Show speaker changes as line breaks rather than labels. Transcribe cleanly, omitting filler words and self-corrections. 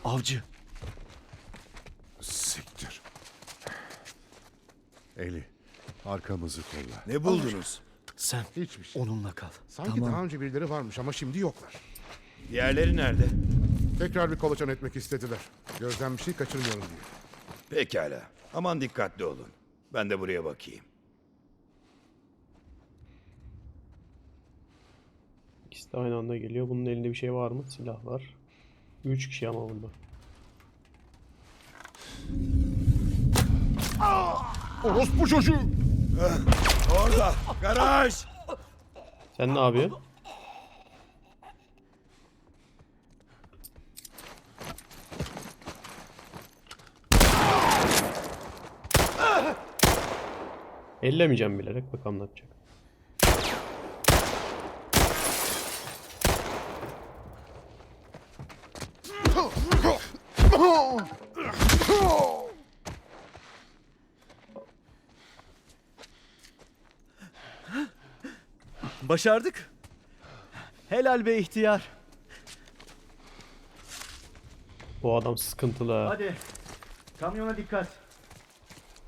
Avcı.
Siktir. Eli, arkamızı kolla.
Ne buldunuz?
Sen
Hiçbir şey.
onunla kal.
Sanki
Tamam.
daha önce birileri varmış ama şimdi yoklar.
Diğerleri nerede?
Tekrar bir kolaçan etmek istediler. Gözden bir şey kaçırmayalım diye.
Pekala. Aman dikkatli olun. Ben de buraya bakayım.
İkisi de aynı anda geliyor. Bunun elinde bir şey var mı? Silah var. 3 kişi ama bunda.
Orospu çocuğu!
Orada! Garaj!
Sen ne yapıyorsun? Ellemeyeceğim bilerek. Bakalım ne yapacak.
Başardık. Helal be ihtiyar.
Bu adam sıkıntılı ha.
Hadi. Kamyona dikkat.